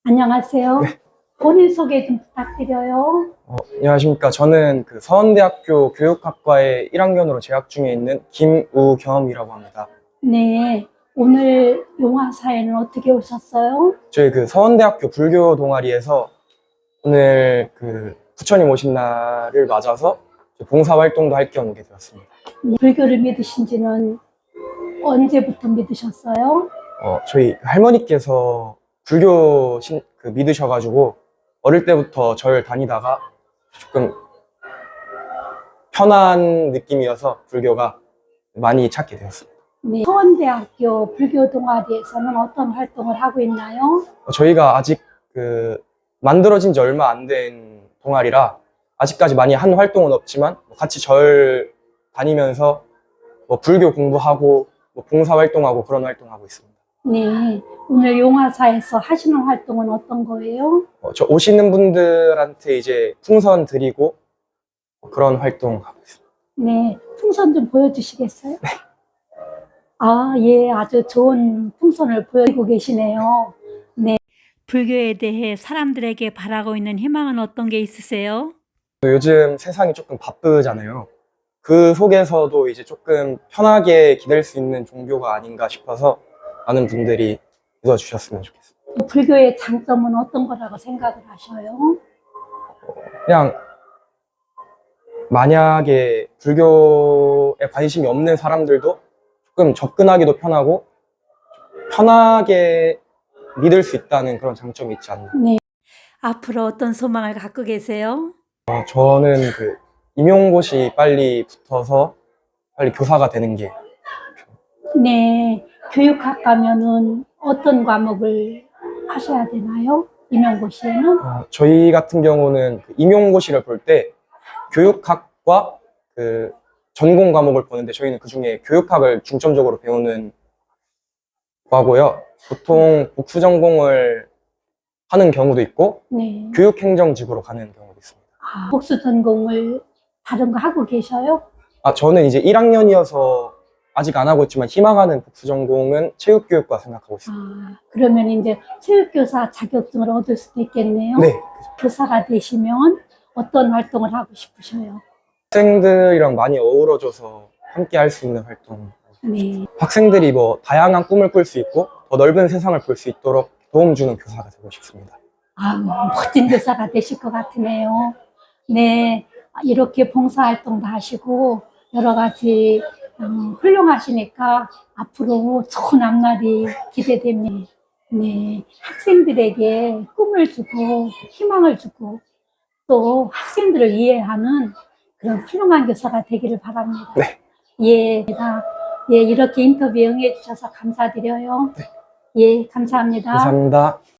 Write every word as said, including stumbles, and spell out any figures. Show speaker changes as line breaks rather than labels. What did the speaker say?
안녕하세요.
네.
본인 소개 좀 부탁드려요.
어, 안녕하십니까. 저는 그 서원대학교 교육학과에 일 학년으로 재학 중에 있는 김우겸이라고 합니다.
네, 오늘 용화사에는 어떻게 오셨어요?
저희 그 서원대학교 불교 동아리에서 오늘 그 부처님 오신 날을 맞아서 봉사활동도 할 겸 오게 되었습니다.
네, 불교를 믿으신 지는 언제부터 믿으셨어요?
어, 저희 할머니께서 불교 신, 그 믿으셔가지고 어릴 때부터 절 다니다가 조금 편한 느낌이어서 불교가 많이 찾게 되었습니다.
네, 서원대학교 불교 동아리에서는 어떤 활동을 하고 있나요?
어, 저희가 아직 그 만들어진 지 얼마 안 된 동아리라 아직까지 많이 한 활동은 없지만 같이 절 다니면서 뭐 불교 공부하고 뭐 봉사 활동하고 그런 활동하고 있습니다.
네, 오늘 용화사에서 하시는 활동은 어떤 거예요?
어, 저 오시는 분들한테 이제 풍선 드리고 그런 활동하고 있습니다.
네, 풍선 좀 보여주시겠어요? 네. 아, 예, 아주 좋은 풍선을 보여주고 계시네요. 네. 불교에 대해 사람들에게 바라고 있는 희망은 어떤 게 있으세요?
요즘 세상이 조금 바쁘잖아요. 그 속에서도 이제 조금 편하게 기댈 수 있는 종교가 아닌가 싶어서 많은 분들이 믿어주셨으면 좋겠습니다.
불교의 장점은 어떤 거라고 생각을 하셔요?
그냥 만약에 불교에 관심이 없는 사람들도 조금 접근하기도 편하고 편하게 믿을 수 있다는 그런 장점이 있지 않나.
네. 앞으로 어떤 소망을 갖고 계세요?
어, 저는 그 임용고시 빨리 붙어서 빨리 교사가 되는 게.
네. 교육학 가면은 어떤 과목을 하셔야 되나요? 임용고시에는?
어, 저희 같은 경우는 그 임용고시를 볼 때 교육학과 그 전공 과목을 보는데 저희는 그 중에 교육학을 중점적으로 배우는 과고요. 보통 복수 전공을 하는 경우도 있고
네.
교육행정직으로 가는 경우도 있습니다.
아, 복수 전공을 다른 거 하고 계셔요?
아, 저는 이제 일 학년이어서 아직 안 하고 있지만 희망하는 복수 전공은 체육교육과 생각하고 있습니다.
아, 그러면 이제 체육교사 자격증을 얻을 수도 있겠네요?
네.
교사가 되시면 어떤 활동을 하고 싶으셔요?
학생들이랑 많이 어우러져서 함께 할 수 있는 활동.
네.
학생들이 뭐 다양한 꿈을 꿀 수 있고 더 넓은 세상을 볼 수 있도록 도움 주는 교사가 되고 싶습니다.
아, 멋진 교사가 되실 것 같으네요. 네, 이렇게 봉사활동도 하시고 여러 가지 음, 훌륭하시니까 앞으로 좋은 앞날이 기대됩니다. 네, 학생들에게 꿈을 주고 희망을 주고 또 학생들을 이해하는 그런 훌륭한 교사가 되기를 바랍니다.
네.
예, 제가 예, 이렇게 인터뷰에 응해 주셔서 감사드려요.
네.
예, 감사합니다.
감사합니다.